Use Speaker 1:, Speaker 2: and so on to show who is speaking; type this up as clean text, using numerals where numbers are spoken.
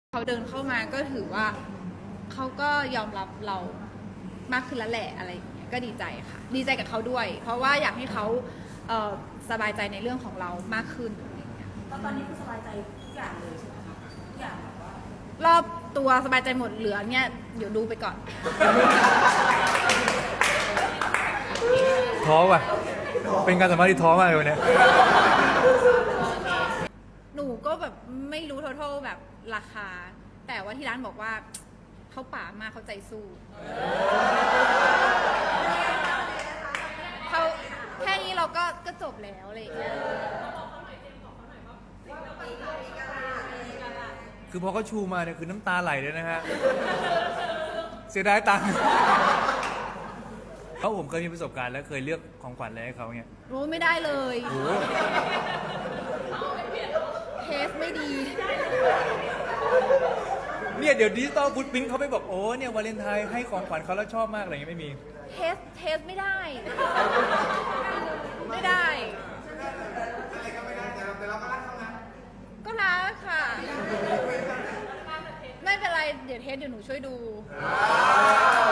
Speaker 1: เขาเดินเข้ามาก็ถือว่าเขาก็ยอมรับเรามากขึ้นแล้วแหละอะไรอย่างเงี้ยก็ดีใจค่ะดีใจกับเขาด้วยเพราะว่าอยากให้เขาสบายใจในเรื่องของเรามากขึ้นอะไรอย่างเงี้ย
Speaker 2: ตอนนี้คือสบายใจทุกอย่างเลยใช่ไหมคะทุกอย่างแบบว่าร
Speaker 1: อบตัวสบายใจหมดเหลือเนี่ยเดี๋ยวดูไปก่อน
Speaker 3: ท้อว่ะเป็นการสัมภาษณ์ที่ท้อมากเลยวันนี้
Speaker 1: หนูก็แบบไม่รู้ทั้งแบบราคาแต่ว่าที่ร้านบอกว่าเขาป่ามากเขาใจสู้เขาแค่นี้เราก็จบแล้วอะไรอย่างเงี้ย
Speaker 3: คือพอเขาชูมาเนี่ยคือน้ำตาไหลเลยนะฮะเสียดายตังค์เพราะผมเคยมีประสบการณ์แล้วเคยเลือกของขวัญอะไรให้เขาเนี่ย
Speaker 1: โอ้ไม่ได้เลยเทสไม่ดี
Speaker 3: เนี่ยเดี๋ยวดิจิตอลฟุตพิ้นเขาไปบอกโอ้เนี่ยวาเลนไทน์ให้ของขวัญเขาแล้วชอบมากอะไรเงี้ยไม่มี
Speaker 1: เทสไม่ได้ไม่ได้ก็รักค่ะไม่เป็นไรเดี๋ยวเทสเดี๋ยวหนูช่วยดู